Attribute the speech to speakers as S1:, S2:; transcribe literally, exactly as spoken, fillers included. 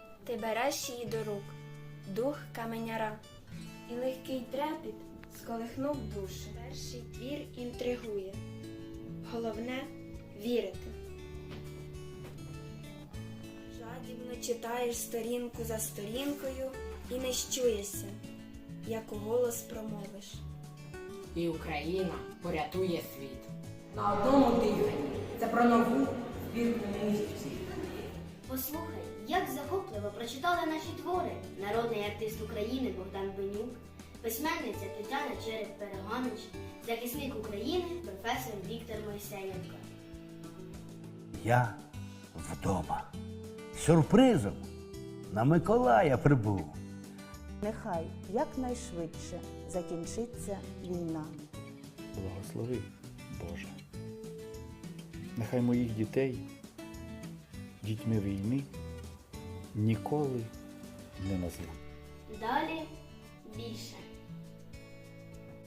S1: Ти береш її до рук, дух каменяра, і легкий трепіт сколихнув душу. Перший твір інтригує, головне – вірити. Жадібно читаєш сторінку за сторінкою і не щуєшся, як у голос промовиш.
S2: І Україна порятує світ.
S3: На одному диханні. Це про нову збірку музиці.
S4: Послухай, як захопливо прочитали наші твори народний артист України Богдан Бенюк, письменниця Тетяна Череп-Перегонич, захисник України професор Віктор Мойсеєнко.
S5: Я вдома. Сюрпризом на Миколая прибув.
S6: Нехай якнайшвидше закінчиться війна.
S7: Благослови, Боже. Нехай моїх дітей дітьми війни ніколи не назву.
S4: Далі більше.